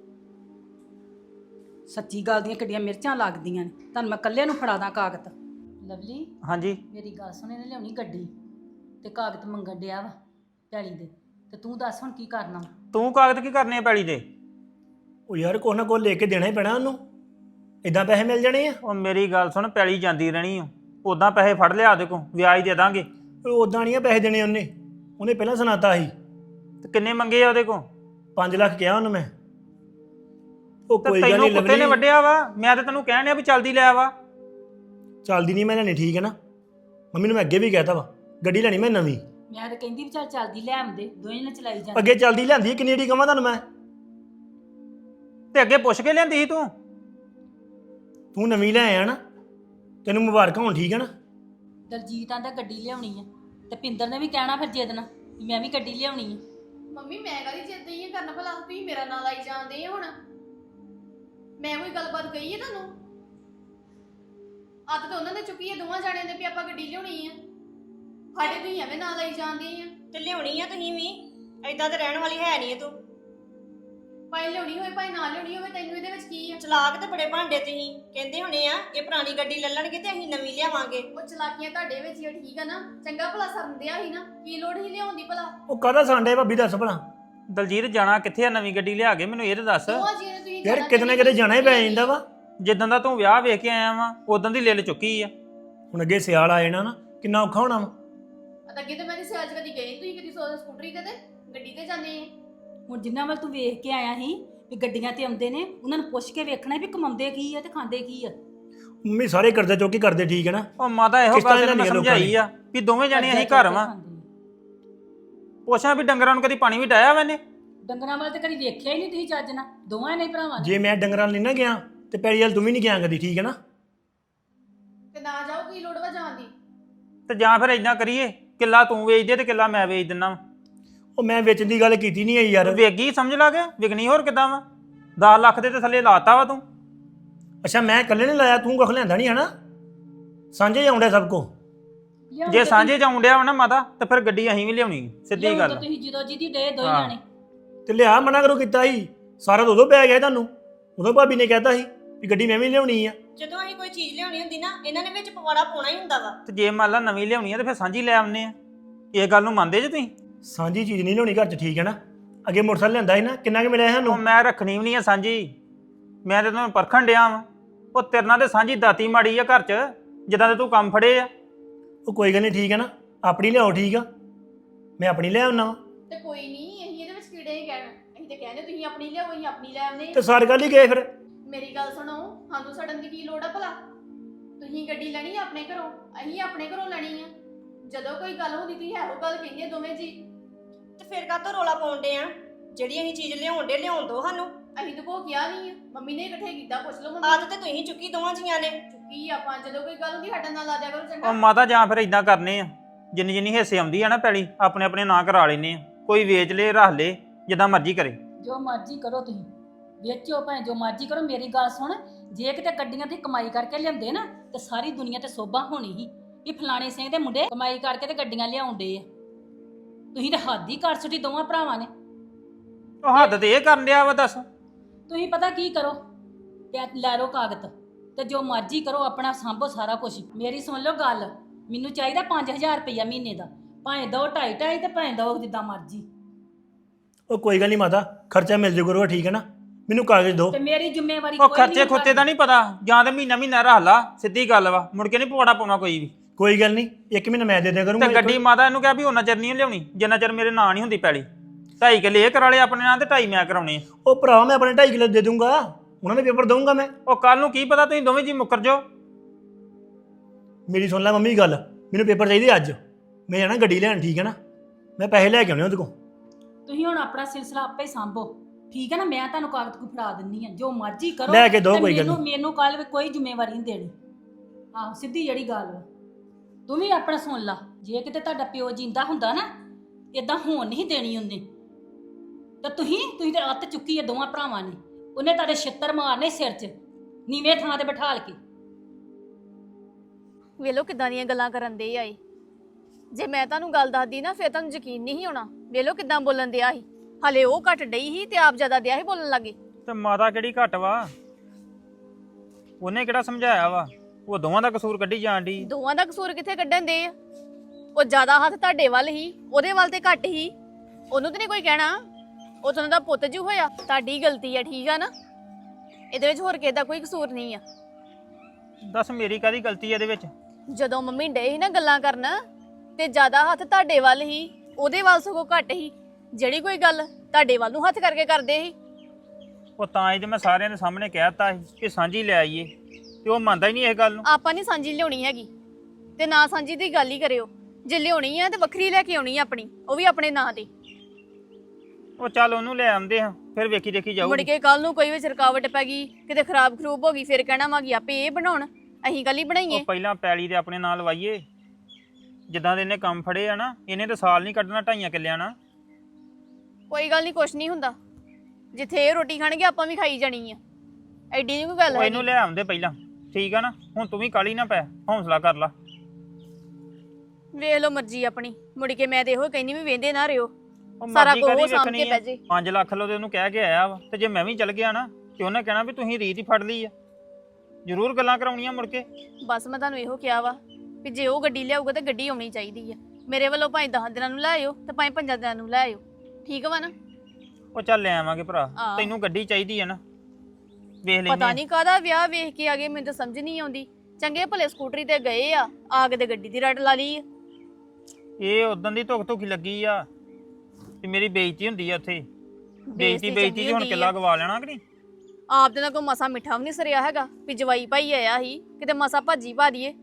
ਸੱਚੀ ਗੱਲ ਦੀਆਂ ਕਿੱਡੀਆਂ ਮਿਰਚਾਂ ਲੱਗਦੀਆਂ ਨੇ। ਤੁਹਾਨੂੰ ਮੈਂ ਕੱਲਿਆਂ ਨੂੰ ਫੜਾ ਦਾਂ ਕਾਗਜ਼। ਲਵਲੀ ਹਾਂਜੀ ਮੇਰੀ ਗੱਲ ਸੁਣ, ਇਹਨੇ ਲਿਆਉਣੀ ਗੱਡੀ ਤੇ ਕਾਗਜ਼ ਮੰਗਣ ਡਿਆ ਵਾ ਪੈਲੀ ਦੇ, ਤੇ ਤੂੰ ਦੱਸ ਹੁਣ ਕੀ ਕਰਨਾ? ਤੂੰ ਕਾਗਜ਼ ਕੀ ਕਰਨੇ ਆ ਪੈਲੀ ਦੇ? ਉਹ ਯਾਰ ਕੁਛ ਨਾ ਕੁਛ ਲੈ ਕੇ ਦੇਣਾ ਹੀ ਪੈਣਾ ਉਹਨੂੰ, ਇਦਾਂ ਪੈਸੇ ਮਿਲ ਜਾਣੇ ਆ। ਉਹ ਮੇਰੀ ਗੱਲ ਸੁਣ, ਪੈਲੀ ਜਾਂਦੀ ਰਹਿਣੀ ਓ, ਉਦਾਂ ਪੈਸੇ ਫੜ ਲਿਆ ਉਹਦੇ ਕੋਲ, ਵਿਆਜ ਦੇ ਦਾਂਗੇ। ਉਦਾਂ ਨਹੀਂ ਆ ਪੈਸੇ ਦੇਣੇ ਉਹਨੇ ਪਹਿਲਾਂ ਸੁਣਾਤਾ ਸੀ। ਤੇ ਕਿੰਨੇ ਮੰਗੇ ਆ ਉਹਦੇ ਕੋਲ? 5 ਲੱਖ ਕਿਹਾ ਉਹਨੂੰ ਮੈਂ। ਉਹ ਤੇ ਕੋਈ ਗੱਲ ਤੈਨੂੰ ਨਹੀਂ ਕੁੱਤੇ ਨੇ ਲਵਲੀ, ਵੱਢਿਆ ਵਾ, ਮੈਂ ਤੇ ਤੈਨੂੰ ਕਹਿਣ ਡਿਆ ਵੀ ਚਲਦੀ ਲੈ ਵਾ। ਚੱਲਦੀ ਨਹੀਂ ਮੈਂ ਲੈਣੀ, ਠੀਕ ਹੈ ਨਾ? ਮੰਮੀ ਨੂੰ ਮੈਂ ਅੱਗੇ ਵੀ ਕਹਿਤਾ ਵਾ ਗੱਡੀ ਲੈਣੀ ਮੈਂ ਨਵੀਂ। ਮੈਂ ਤਾਂ ਕਹਿੰਦੀ ਵੀ ਚੱਲ ਚੱਲਦੀ ਲੈ ਆਉਂਦੇ, ਦੋਵੇਂ ਨੇ ਚਲਾਈ ਜਾਂਦੇ। ਅੱਗੇ ਚੱਲਦੀ ਲਿਆਂਦੀ ਕਿੰਨੀ ਏਡੀ ਕਵਾਂ ਤੁਹਾਨੂੰ ਮੈਂ? ਤੇ ਅੱਗੇ ਪੁੱਛ ਕੇ ਲਿਆਂਦੀ ਸੀ ਤੂੰ। ਤੂੰ ਨਵੀਂ ਲੈ ਆਇਆ ਨਾ, ਤੈਨੂੰ ਮੁਬਾਰਕਾਂ ਹੋਣ, ਠੀਕ ਹੈ ਨਾ? ਦਲਜੀਤ ਆਂਦਾ ਗੱਡੀ ਲਿਆਉਣੀ ਆ, ਤੇ ਪਿੰਦਰ ਨੇ ਵੀ ਕਹਿਣਾ ਫਿਰ ਜਿੱਦ ਨਾਲ ਵੀ ਮੈਂ ਵੀ ਗੱਡੀ ਲਿਆਉਣੀ ਆ। ਮੰਮੀ ਮੈਂ ਕਾਹਦੀ ਜਿੱਦ ਹੀ ਕਰਨਾ ਭਲਾ? ਤੁਸੀਂ ਮੇਰਾ ਨਾਂ ਲਾਈ ਜਾਂਦੇ ਹੁਣ। ਮੈਂ ਕੋਈ ਗੱਲਬਾਤ ਕਹੀ ਹੈ ਤੁਹਾਨੂੰ? ਅੱਧ ਤਾਂ ਉਹਨਾਂ ਨੇ ਚੁੱਕੀ ਹੈ ਦੋਵਾਂ ਜਾਣਿਆਂ ਨੇ ਵੀ ਆਪਾਂ ਗੱਡੀ ਲਿਆਉਣੀ ਆ। ਸਾਡੇ ਤੁਸੀਂ ਐਵੇਂ ਨਾਂ ਲਾਈ ਜਾਂਦੇ ਆ। ਤੇ ਲਿਆਉਣੀ ਆ ਤੁਸੀਂ ਵੀ, ਐਦਾਂ ਤੇ ਰਹਿਣ ਵਾਲੀ ਹੈ ਨਹੀਂ ਤੂੰ। ਭਾਵੇਂ ਲਿਆਉਣੀ ਹੋਵੇ ਭਾਵੇਂ ਨਾ ਲਿਆਉਣੀ ਹੋਵੇ, ਤੈਨੂੰ ਇਹਦੇ ਵਿੱਚ ਕੀ ਆ? ਚਲਾਕ ਤੇ ਬੜੇ ਭਾਂਡੇ ਤੁਸੀਂ, ਕਹਿੰਦੇ ਹੋਣੇ ਆ ਇਹ ਪੁਰਾਣੀ ਗੱਡੀ ਲੈ ਲੈਣਗੇ ਤੇ ਅਸੀਂ ਨਵੀਂ ਲਿਆਵਾਂਗੇ। ਉਹ ਚਲਾਕੀਆਂ ਤੁਹਾਡੇ ਵਿੱਚ ਹੀ ਆ, ਠੀਕ ਆ ਨਾ? ਚੰਗਾ ਭਲਾ ਸਰਦਿਆ ਸੀ ਨਾ, ਕੀ ਲੋੜ ਹੀ ਲਿਆਉਣ ਦੀ ਭਲਾ? ਉਹ ਕਾਹਦਾ ਸਾਂਡੇ ਭਾਬੀ ਦੱਸ ਭਲਾ। ਦਲਜੀਤ ਜਾਣਾ ਕਿੱਥੇ ਆ ਨਵੀਂ ਗੱਡੀ ਲਿਆ ਕੇ? ਮੈਨੂੰ ਇਹ ਤੇ ਦੱਸ। ਦੋਵਾਂ ਜੀਆਂ ਨੇ ਤੁਸੀਂ ਯਾਰ ਜਾਣਾ ਕਿਤੇ ਨਾ ਕਿਤੇ ਜਾਣਾ ਹੀ ਪੈ ਜਾਂਦਾ ਵਾ। ਜਿੱਦਾਂ ਦਾ ਤੂੰ ਵਿਆਹ ਵੇਖ ਕੇ ਆਇਆ ਵਾ, ਉਦੋਂ ਦੀ ਲਿਲ ਚੁੱਕੀ ਆ। ਹੁਣ ਅੱਗੇ ਸਿਆਲ ਆ ਜਾਣਾ ਨਾ, ਕਿੰਨਾ ਔਖਾ ਹੋਣਾ ਵਾ। ਅੱਗੇ ਤੇ ਮੈਂ ਦੀ ਸਿਆਲ ਚ ਕਦੀ ਗਈ, ਤੁਸੀਂ ਕਦੀ ਸਕੂਟਰੀ ਤੇ ਗੱਡੀ ਤੇ ਜਾਂਦੇ ਆ। ਹੁਣ ਜਿੰਨਾ ਵੱਲ ਤੂੰ ਵੇਖ ਕੇ ਆਇਆ ਸੀ ਵੀ ਗੱਡੀਆਂ ਤੇ ਆਉਂਦੇ ਨੇ, ਉਹਨਾਂ ਨੂੰ ਪੁੱਛ ਕੇ ਵੇਖਣਾ ਵੀ ਕਮਾਉਂਦੇ ਕੀ ਆ ਤੇ ਖਾਂਦੇ ਕੀ ਆ। ਮੰਮੀ ਸਾਰੇ ਕਰਜ਼ਾ ਚੁੱਕ ਕੇ ਕਰਦੇ, ਠੀਕ ਹੈ ਨਾ? ਉਹ ਮਾਤਾ ਇਹੋ ਕਿਸ਼ਤਾਂ ਗੱਲ ਤੈਨੂੰ ਮੈਂ ਲੈਣੀਆਂ ਲੋਕਾਂ ਸਮਝਾਈ ਆ ਵੀ ਦੋਵੇਂ ਜਾਣੇ ਅਸੀਂ ਘਰ ਵਾਂ। ਪੁੱਛਾਂ ਵੀ ਡੰਗਰਾਂ ਨੂੰ ਕਦੀ ਪਾਣੀ ਵੀ ਡਾਇਆ ਵਾ ਇਹਨੇ? ਡੰਗਰਾਂ ਵੱਲ ਤੇ ਕਦੀ ਵੇਖਿਆ ਹੀ ਨਹੀਂ ਤੁਸੀਂ ਚੱਜ ਨਾਲ, ਦੋਵਾਂ ਨੇ ਭਰਾਵਾਂ ਨੇ। ਜੇ ਮੈਂ ਡੰਗਰਾਂ ਲਈ ਨਾ ਗਿਆ ਤੇ ਪੈੜੀ ਵਾਲ ਤੂੰ ਵੀ ਨਹੀਂ ਗਿਆ ਕਦੀ, ਠੀਕ ਹੈ ਨਾ? ਤੇ ਨਾ ਜਾਓ, ਕੀ ਲੋੜ ਵਾ ਜਾਣ ਦੀ? ਤੇ ਜਾਂ ਫਿਰ ਏਦਾਂ ਕਰੀਏ, ਕਿੱਲਾ ਤੂੰ ਵੇਚ ਦੇ ਤੇ ਕਿੱਲਾ ਮੈਂ ਵੇਚ ਦਿੰਨਾ। ਉਹ ਮੈਂ ਵੇਚਣ ਦੀ ਗੱਲ ਕੀਤੀ ਨਹੀਂ ਆਈ ਯਾਰ। ਵੇਗੀ ਸਮਝ ਲਾ ਕੇ, ਵਿਕਣੀ ਹੋਰ ਕਿੱਦਾਂ ਵਾ? 10 ਲੱਖ ਦੇ ਤੇ ਥੱਲੇ ਲਾਤਾ ਵਾ ਤੂੰ। ਅੱਛਾ ਮੈਂ ਇਕੱਲੇ ਨੇ ਲਾਇਆ, ਤੂੰ ਕੁਖ ਲਿਆਂਦਾ ਨਹੀਂ ਹੈ ਨਾ? ਸਾਂਝੇ ਆਉਂਦਾ ਸਭ ਕੋ। ਜੇ ਸਾਂਝੇ ਚ ਆਉਂਦਿਆ ਵਾ ਨਾ ਮਾਤਾ, ਤੇ ਫਿਰ ਗੱਡੀ ਅਸੀਂ ਵੀ ਲਿਆਉਣੀ, ਸਿੱਧੀ ਗੱਲ। ਤੁਸੀਂ ਜਦੋਂ ਜਿਹਦੀ ਡੇ ਦੋਈ ਹਾਂ। ਜਾਣੇ। ਤੇ ਲਿਆ ਮਨਾ ਕਰੋ ਕੀਤਾ ਸੀ, ਸਾਰਾ ਤਾਂ ਉਦੋਂ ਪੈ ਗਿਆ ਤੁਹਾਨੂੰ। ਉਦੋਂ ਭਾਬੀ ਨੇ ਕਹਿਤਾ ਸੀ ਵੀ ਗੱਡੀ ਮੈਂ ਵੀ ਲਿਆਉਣੀ ਆ। ਜਦੋਂ ਅਸੀਂ ਕੋਈ ਚੀਜ਼ ਲਿਆਉਣੀ ਹੁੰਦੀ ਨਾ, ਇਹਨਾਂ ਨੇ ਵਿੱਚ ਪਵਾੜਾ ਪਾਉਣਾ ਹੀ ਹੁੰਦਾ ਵਾ। ਤੇ ਜੇ ਮੰਨ ਲਾ ਨਵੀਂ ਲਿਆਉਣੀ ਆ ਤੇ ਫਿਰ ਸਾਂਝੀ ਲੈ ਆਉਨੇ ਆ। ਇਹ ਗੱਲ ਨੂੰ ਮੰਨਦੇ ਜੇ ਤੁਸੀਂ? ਸਾਂਝੀ ਚੀਜ਼ ਨਹੀਂ ਲਿਆਉਣੀ ਘਰ 'ਚ, ਠੀਕ ਹੈ ਨਾ? ਅੱਗੇ ਮੋਟਰਸਾਈਕਲ ਲੈਂਦਾ ਸੀ ਨਾ, ਕਿੰਨਾ ਕੁ ਮਿਲਿਆ ਸੀ ਉਹ ਸਾਨੂੰ? ਮੈਂ ਰੱਖਣੀ ਵੀ ਨਹੀਂ ਆ ਸਾਂਝੀ, ਮੈਂ ਤੇ ਤੈਨੂੰ ਪਰਖਣ ਡਿਆ ਵਾਂ। ਉਹ ਤੇਰੇ ਨਾਲ ਤੇ ਸਾਂਝੀ ਦਾਤੀ ਮਾੜੀ ਆ ਘਰ 'ਚ, ਜਿੱਦਾਂ ਦੇ ਤੂੰ ਕੰਮ ਫੜੇ ਆ। ਉਹ ਕੋਈ ਗੱਲ ਨਹੀਂ, ਠੀਕ ਹੈ ਨਾ? ਆਪਣੀ ਲਿਆਓ, ਠੀਕ ਆ? ਮੈਂ ਆਪਣੀ ਲੈ ਆਉਣਾ ਵਾ। ਤੇ ਕੋਈ ਨਹੀਂ, ਅਸੀਂ ਇਹਦੇ ਵਿੱਚ ਕੀੜੇ ਹੀ ਕਹਿਣਾ। ਅਸੀਂ ਤੇ ਕਹਿੰਦੇ ਤੁਸੀਂ ਆਪਣੀ ਲਿਆਓ, ਅਸੀਂ ਆਪਣੀ ਲੈ ਆਉਂਦੇ। ਤੇ ਸਾਰੀ ਗੱਲ ਹੀ ਗਏ ਫਿਰ। ਮੇਰੀ ਗੱਲ ਸੁਣੋ, ਸਾਨੂੰ ਛੱਡਣ ਦੀ ਕੀ ਲੋੜ ਆ ਭਲਾ? ਤੁਸੀਂ ਗੱਡੀ ਲੈਣੀ ਆ ਆਪਣੇ ਘਰੋਂ, ਅਸੀਂ ਆਪਣੇ ਘਰੋਂ ਲੈਣੀ ਆ। ਜਦੋਂ ਕੋਈ ਗੱਲ ਹੁੰਦੀ ਤੀ ਹੈ ਉਹ ਗੱਲ ਕਹਿੰਦੇ ਦੋਵੇਂ ਜੀ। ਤੇ ਫਿਰ ਕਾਹਤੋਂ ਰੋਲਾ ਪਾਉਂਦੇ ਆ? ਜਿਹੜੀ ਅਸੀਂ ਚੀਜ਼ ਲਿਆਉਣ ਦੋ ਸਾਨੂੰ। ਅਸੀਂ ਤਾਂ ਕੋ ਕਿਹਾ ਨਹੀਂ ਆ, ਮੰਮੀ ਨੇ ਇਕੱਠੇ ਕੀਤਾ, ਪੁੱਛ ਲਓ ਮੰਮੀ। ਆਦਤ ਤੇ ਤੁਸੀਂ ਚੁੱਕੀ ਦੋਵਾਂ ਜੀਆਂ ਨੇ। ਚੁੱਕੀ ਆਪਾਂ, ਜਦੋਂ ਕੋਈ ਗੱਲ ਹੁੰਦੀ ਸਾਡੇ ਨਾਲ ਲਾ ਦਿਆ ਕਰੋ ਉਹ ਚੰਗਾ। ਮਾਤਾ ਜਾਂ ਫਿਰ ਇਦਾਂ ਕਰਨੇ ਆ, ਜਿੰਨੀ ਜਿੰਨੀ ਹਿੱਸੇ ਆਉਂਦੀ ਆ ਨਾ ਪੈਲੀ, ਆਪਣੇ ਆਪਣੇ ਨਾਂ ਕਰਾ ਲੈਨੇ ਆ। ਕੋਈ ਵੇਚ ਲੇ, ਰੱਖ ਲੇ, ਜਿੱਦਾਂ ਮਰਜ਼ੀ ਕਰੇ। ਜੋ ਮਰਜ਼ੀ ਕਰੋ ਤੁਸੀਂ, ਵੇਚੋ ਭਾਵੇਂ ਜੋ ਮਰਜ਼ੀ ਕਰੋ। ਮੇਰੀ ਗੱਲ ਸੁਣ, ਜੇ ਕਿਤੇ ਗੱਡੀਆਂ ਦੀ ਕਮਾਈ ਕਰਕੇ ਲਿਆਉਂਦੇ ਨਾ ਤੇ ਸਾਰੀ ਦੁਨੀਆ ਤੇ ਸੋਭਾ ਹੋਣੀ ਸੀ ਵੀ ਫਲਾਣੇ ਸਿੰਘ ਦੇ ਮੁੰਡੇ ਕਮਾਈ ਕਰਕੇ ਤੇ ਗੱਡੀਆਂ ਲਿਆਉਂਦੇ ਆ। ਤੁਸੀਂ ਤੇ ਹੱਦ ਹੀ ਕਰ ਸੁੱਟੀ ਦੋਵਾਂ ਭਰਾਵਾਂ ਨੇ। ਉਹ ਹੱਦ ਤੇ ਇਹ ਕਰਨ ਡਿਆ ਵਾ, ਦੱਸ। ਤੁਸੀਂ ਪਤਾ ਕੀ ਕਰੋ, ਤੇ ਲੈ ਲਓ ਕਾਗਜ਼ ਤੇ ਜੋ ਮਰਜ਼ੀ ਕਰੋ, ਆਪਣਾ ਸਾਂਭੋ ਸਾਰਾ ਕੁਝ। ਮੇਰੀ ਸੁਣ ਲਓ ਗੱਲ, ਮੈਨੂੰ ਚਾਹੀਦਾ 5000 ਰੁਪਇਆ ਮਹੀਨੇ ਦਾ, ਭਾਵੇਂ ਦੋ 2.5 ਤੇ ਭਾਵੇਂ ਦੋ ਜਿੱਦਾਂ ਮਰਜ਼ੀ। ਉਹ ਕੋਈ ਗੱਲ ਨਹੀਂ ਮਾਤਾ, ਖਰਚਾ ਮਿਲ ਜੂ ਕਰੂਗਾ, ਠੀਕ ਹੈ ਨਾ? ਮੈਨੂੰ ਕਾਗਜ਼ ਦਿਓ। ਤੇ ਮੇਰੀ ਜ਼ਿੰਮੇਵਾਰੀ ਉਹ ਕੋਈ ਖਰਚੇ ਨਹੀਂ ਖੁੱਤੇ ਦਾ ਨਹੀਂ ਪਤਾ, ਜਾਂ ਤੇ ਮਹੀਨਾ ਮਹੀਨਾ ਰੱਖ ਲਾ, ਸਿੱਧੀ ਗੱਲ ਵਾ। ਮੁੜ ਕੇ ਨਹੀਂ ਪਵਾੜਾ ਪਾਉਣਾ ਕੋਈ ਵੀ। ਕੋਈ ਗੱਲ ਨਹੀਂ, 1 ਮਹੀਨਾ ਮੈਂ ਦੇ ਦਿਆ ਕਰੂੰਗਾ। ਤੇ ਗੱਡੀ ਮਾਤਾ ਇਹਨੂੰ ਕਿਹਾ ਵੀ ਉਹਨਾਂ ਚਿਰ ਨਹੀਂ ਲਿਆਉਣੀ ਜਿੰਨਾ ਚਿਰ ਮੇਰੇ ਨਾਂ ਨਹੀਂ ਹੁੰਦੀ ਪੈਲੀ। 2.5 ਕਿੱਲੇ ਇਹ ਕਰਾ ਲਏ ਆਪਣੇ ਨਾਂ ਤੇ 2.5 ਮੈਂ ਕਰਾਉਣੇ ਆ। ਉਹ ਭਰਾ, ਮੈਂ ਆਪਣੇ 2.5 ਕਿੱਲੇ ਦੇ ਦੂੰਗਾ, ਉਹਨਾਂ ਦੇ ਪੇਪਰ ਦਊਂਗਾ ਮੈਂ। ਉਹ ਕੱਲ ਨੂੰ ਕੀ ਪਤਾ ਤੁਸੀਂ ਦੋਵੇਂ ਜੀ ਮੁੱਕਰ ਜਾਓ। ਮੇਰੀ ਸੁਣ ਲੈ ਮੰਮੀ ਗੱਲ, ਮੈਨੂੰ ਪੇਪਰ ਚਾਹੀਦੇ ਅੱਜ। ਮੈਂ ਜਾਣਾ ਗੱਡੀ ਲੈਣ, ਠੀਕ ਹੈ ਨਾ? ਮੈਂ ਪੈਸੇ ਲੈ ਕੇ ਆਉਣੇ ਉਹਦੇ ਕੋਲ। ਤੁਸੀਂ ਹੁਣ ਆਪਣਾ ਸਿਲਸਿਲਾ ਆਪੇ ਸੰਭੋ, ਠੀਕ ਹੈ ਨਾ? ਮੈਂ ਤੁਹਾਨੂੰ ਕਾਗਜ਼ ਕੋ ਫੜਾ ਦਿੰਨੀ ਆ, ਜੋ ਮਰਜ਼ੀ ਕਰੋ। ਲੈ ਕੇ ਦਿਓ, ਤੇ ਕੋਈ ਗੱਲ ਮੈਨੂੰ ਕੱਲ ਕੋਈ ਜ਼ਿੰਮੇਵਾਰੀ ਨਹੀਂ ਦੇਣੀ। ਆਹੋ, ਸਿੱਧੀ ਜਿਹੜੀ ਗੱਲ ਵਾ। ਤੂੰ ਵੀ ਆਪਣਾ ਸੁਣ ਲਾ, ਜੇ ਕਿਤੇ ਤੁਹਾਡਾ ਪਿਓ ਜਿੰਦਾ ਹੁੰਦਾ ਨਾ, ਇਦਾਂ ਹੋਣ ਨਹੀਂ ਦੇਣੀ ਉਹਨੇ। ਤਾਂ ਤੁਸੀਂ ਤੇ ਅੱਤ ਚੁੱਕੀ ਹੈ ਦੋਵਾਂ ਭਰਾਵਾਂ ਨੇ। ਉਹਨੇ ਤੁਹਾਡੇ ਛਿੱਤਰ ਮਾਰਨੇ ਸਿਰ 'ਚ, ਨੀਵੇਂ ਥਾਂ ਤੇ ਬਿਠਾਲ ਕੇ। ਵੇਲੋ ਕਿਦਾਂ ਦੀਆਂ ਗੱਲਾਂ ਕਰਨ ਦੇ ਆਏ। ਜੇ ਮੈਂ ਤੁਹਾਨੂੰ ਗੱਲ ਦੱਸਦੀ ਨਾ ਫਿਰ ਤੁਹਾਨੂੰ ਯਕੀਨ ਨਹੀਂ ਹੋਣਾ। ਵੇਲੋ ਕਿਦਾਂ ਬੋਲਣ ਦਿਆ ਸੀ, ਹਲੇ ਉਹ ਘਟ ਡਈ ਸੀ ਤੇ ਆਪ ਜ਼ਿਆਦਾ ਦਿਆ ਸੀ ਬੋਲਣ ਲੱਗੇ। ਤੇ ਮਾਤਾ ਕਿਹੜੀ ਘੱਟ ਵਾ, ਉਹਨੇ ਕਿਹੜਾ ਸਮਝਾਇਆ ਵਾ? ਉਹ ਦੋਵਾਂ ਦਾ ਕਸੂਰ ਕੱਢੀ ਜਾਣ ਦੀ। ਦੋਵਾਂ ਦਾ ਕਸੂਰ ਕਿੱਥੇ ਕੱਢਣ ਦੇ ਆ? ਉਹ ਜ਼ਿਆਦਾ ਹੱਥ ਤੁਹਾਡੇ ਵੱਲ ਹੀ, ਉਹਦੇ ਵੱਲ ਤੇ ਘੱਟ ਹੀ। ਉਹਨੂੰ ਤੇ ਨਹੀਂ ਕੋਈ ਕਹਿਣਾ, ਉਹ ਤੁਹਾਨੂੰ ਦਾ ਪੁੱਤ ਜੂ ਹੋਇਆ, ਤੁਹਾਡੀ ਗਲਤੀ ਆ, ਠੀਕ ਆ ਨਾ? ਇਹਦੇ ਵਿੱਚ ਹੋਰ ਕਿਸੇ ਦਾ ਕੋਈ ਕਸੂਰ ਨਹੀਂ ਆ। ਦੱਸ ਮੇਰੀ ਕਾਹਦੀ ਗਲਤੀ ਹੈ ਇਹਦੇ ਵਿੱਚ? ਜਦੋਂ ਮੰਮੀ ਡੇ ਸੀ ਨਾ ਗੱਲਾਂ ਕਰਨ, ਤੇ ਜ਼ਿਆਦਾ ਹੱਥ ਤੁਹਾਡੇ ਵੱਲ ਹੀ, ਉਹਦੇ ਵੱਲ ਸਗੋਂ ਘੱਟ ਹੀ। ਜਿਹੜੀ ਕੋਈ ਗੱਲ ਤੁਹਾਡੇ ਵੱਲ ਨੂੰ ਹੱਥ ਕਰਕੇ ਕਰਦੇ ਸੀ। ਉਹ ਤਾਂ ਇਹ ਤੇ ਮੈਂ ਸਾਰਿਆਂ ਦੇ ਸਾਹਮਣੇ ਕਹਿਤਾ ਸੀ ਕਿ ਸਾਂਝੀ ਲੈ ਆਈਏ, ਤੇ ਉਹ ਮੰਨਦਾ ਹੀ ਨਹੀਂ ਇਹ ਗੱਲ ਨੂੰ। ਆਪਾਂ ਨਹੀਂ ਸਾਂਝੀ ਲਿਆਉਣੀ ਹੈਗੀ, ਤੇ ਨਾ ਸਾਂਝੀ ਦੀ ਗੱਲ ਹੀ ਕਰਿਓ। ਜੇ ਲਿਆਉਣੀ ਆ ਤੇ ਵੱਖਰੀ ਲੈ ਕੇ ਆਉਣੀ ਆ ਆਪਣੀ, ਉਹ ਵੀ ਆਪਣੇ ਨਾਂ ਤੇ। ਉਹ ਚੱਲ ਉਹਨੂੰ ਲੈ ਆਉਂਦੇ ਆ, ਫਿਰ ਵੇਖੀ ਦੇਖੀ ਜਾਊ। ਮੁੜ ਕੇ ਕੱਲ ਨੂੰ ਕੋਈ ਵਿੱਚ ਰੁਕਾਵਟ ਪੈ ਗਈ, ਕਿਤੇ ਖਰਾਬ ਖਰੂਬ ਹੋ ਗਈ, ਫਿਰ ਕਹਿਣਾ ਵਾ ਕਿ ਆਪੇ ਇਹ ਬਣਾਉਣ, ਅਸੀਂ ਕੱਲ ਹੀ ਬਣਾਈਏ। ਉਹ ਪਹਿਲਾਂ ਪੈਲੀ ਦੇ ਆਪਣੇ ਨਾਲ ਲਵਾਈਏ। ਜਿੱਦਾਂ ਦੇ ਇਹਨੇ ਕੰਮ ਫੜੇ ਆ ਨਾ, ਇਹਨੇ ਤਾਂ ਸਾਲ ਨਹੀਂ ਕੱਢਣਾ 2.5 ਕਿੱਲਿਆਂ ਨਾਲ। ਕੋਈ ਗੱਲ ਨਹੀਂ, ਕੁਛ ਨਹੀਂ ਹੁੰਦਾ। ਜਿੱਥੇ ਇਹ ਰੋਟੀ ਖਾਣਗੇ ਆਪਾਂ ਵੀ ਖਾਈ ਜਾਣੀ ਆ, ਐਡੀ ਨਹੀਂ ਕੋਈ ਗੱਲ ਉਹ ਹੈ। ਇਹਨੂੰ ਲੈ ਆਉਂਦੇ ਪਹਿਲਾਂ, ਠੀਕ ਆ ਨਾ? ਹੁਣ ਤੂੰ ਵੀ ਕਾਲੀ ਨਾ ਪੈ, ਹੌਸਲਾ ਕਰ ਲਾ। ਵੇਖ ਲਓ ਮਰਜ਼ੀ ਆਪਣੀ। ਮੁੜ ਕੇ ਮੈਂ ਤੇ ਇਹੋ ਕਹਿੰਦੀ ਵੀ ਵੇਂਦੇ ਨਾ ਰਿਓ, ਉਹ ਸਾਰਾ ਮਰਜ਼ੀ ਕੁਝ ਕਾਹਦੀ ਉਹ ਸਾਂਭ ਵੇਖਣੀ ਕੇ ਆ? ਬਹਿ ਜੇ। 5 ਲੱਖ ਲੋ ਤੇ ਉਹਨੂੰ ਕਹਿ ਕੇ ਆਇਆ ਵਾ, ਤੇ ਜੇ ਮੈਂ ਵੀ ਚਲ ਗਿਆ ਨਾ ਤੇ ਉਹਨੇ ਕਹਿਣਾ ਵੀ ਤੁਸੀਂ ਰੀਤ ਹੀ ਫੜ ਲਈ ਆ। ਜ਼ਰੂਰ ਗੱਲਾਂ ਕਰਾਉਣੀਆਂ ਮੁੜ ਕੇ। ਬਸ ਮੈਂ ਤੁਹਾਨੂੰ ਇਹੋ ਕਿਹਾ ਵਾ ਵੀ ਜੇ ਉਹ ਗੱਡੀ ਲਿਆਊਗਾ ਤੇ ਗੱਡੀ ਆਉਣੀ ਚਾਹੀਦੀ ਆ। ਮੇਰੇ ਵੱਲੋਂ ਭਾਵੇਂ 10 ਦਿਨਾਂ ਨੂੰ ਲੈ ਆਇਓ ਤੇ ਭਾਵੇਂ 5 ਦਿਨਾਂ ਨੂੰ ਲੈ ਆਇਓ, ਠੀਕ ਵਾ ਨਾ? ਉਹ ਚੱਲ ਲੈ ਆਵਾਂਗੇ ਭਰਾ, ਆਹ। ਤੈਨੂੰ ਗੱਡੀ ਚਾਹੀਦੀ ਆ ਨਾ? ਵੇਖ ਪਤਾ ਲੈਂਦੇ ਨਹੀਂ ਕਾਹਦਾ ਵਿਆਹ ਵੇਖ ਕੇ ਆ ਗਏ, ਮੈਨੂੰ ਤਾਂ ਸਮਝ ਨਹੀਂ ਆਉਂਦੀ। ਚੰਗੇ ਭਲੇ ਸਕੂਟਰੀ ਤੇ ਗਏ ਆ ਕੇ ਤੇ ਗੱਡੀ ਦੀ ਰੱਟ ਲਾ ਲਈ ਆ। ਇਹ ਉਦੋਂ ਦੀ ਧੁੱਖ ਧੁੱਖੀ ਲੱਗੀ ਆ ਤੇ ਮੇਰੀ ਬੇਇੱਜ਼ਤੀ ਹੁੰਦੀ ਆ ਉੱਥੇ। ਬੇਇੱਜ਼ਤੀ ਚੰਗੀ ਹੁਣ ਹੁੰਦੀ ਕਿੱਲਾ ਆ। ਗਵਾ ਲੈਣਾ ਕਿ ਨਹੀਂ? ਆਪ ਦੇ ਨਾਲ ਕੋਈ ਮਸਾ ਮਿੱਠਾ ਵੀ ਨਹੀਂ ਸਰਿਆ ਹੈਗਾ ਵੀ ਜਵਾਈ ਭਾਈ ਆਇਆ ਸੀ, ਕਿਤੇ ਮਸਾ ਭਾਜੀ ਪਾ ਦੀਏ।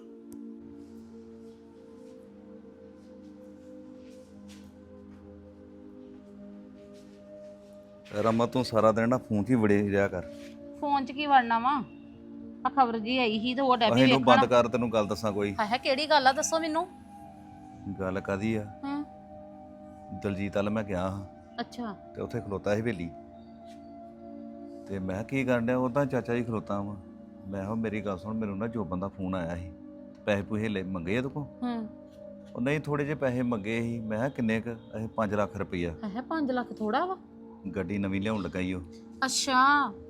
ਰਮਾ ਤੂੰ ਸਾਰਾ ਦਿਨ ਨਾ ਫੋਨ 'ਚ ਹੀ ਵੜੇ ਰਿਹਾ ਕਰ। ਫੋਨ 'ਚ ਕੀ ਵੜਨਾ ਵਾ? ਆ ਖਬਰ ਜੀ ਆਈ ਸੀ ਤੇ ਉਹ ਡੈਬੀ ਇਹਨੂੰ ਬੰਦ ਵੇਖਣਾ। ਕਰ, ਤੈਨੂੰ ਗੱਲ ਦੱਸਾਂ ਕੋਈ। ਹਾਏ ਕਿਹੜੀ ਗੱਲ ਆ, ਦੱਸੋ ਮੈਨੂੰ। ਗੱਲ ਕਾਦੀ ਆ? ਹਾਂ। ਦਲਜੀਤ ਵੱਲ ਮੈਂ ਗਿਆ ਹਾਂ ਅੱਛਾ। ਤੇ ਉੱਥੇ ਖਲੋਤਾ ਸੀ ਹਵੇਲੀ ਤੇ ਮੈਂ ਕੀ ਕਰਨ ਡਿਆ, ਉਹ ਤਾਂ ਚਾਚਾ ਜੀ ਖਲੋਤਾ ਵਾ। ਮੈਂ ਕਿਹਾ ਮੇਰੀ ਗੱਲ ਸੁਣ, ਮੈਨੂੰ ਨਾ ਜੋ ਬੰਦਾ ਫੋਨ ਆਇਆ ਸੀ, ਪੈਸੇ ਪੂਸੇ ਲੈ ਮੰਗੇ ਆ ਤੂੰ ਕੋ? ਉਹ ਨਹੀਂ, ਥੋੜੇ ਜਿਹੇ ਪੈਸੇ ਮੰਗੇ ਸੀ। ਮੈਂ ਕਿਹਾ ਕਿੰਨੇ ਕ? ਇਹ 5 ਲੱਖ ਰੁਪਈਆ। ਹਾਏ 5 ਲੱਖ ਥੋੜਾ ਵਾ? ਗੱਡੀ ਨਵੀਂ ਲਿਆਉਣ ਲੱਗਾ ਈ ਉਹ। ਅੱਛਾ,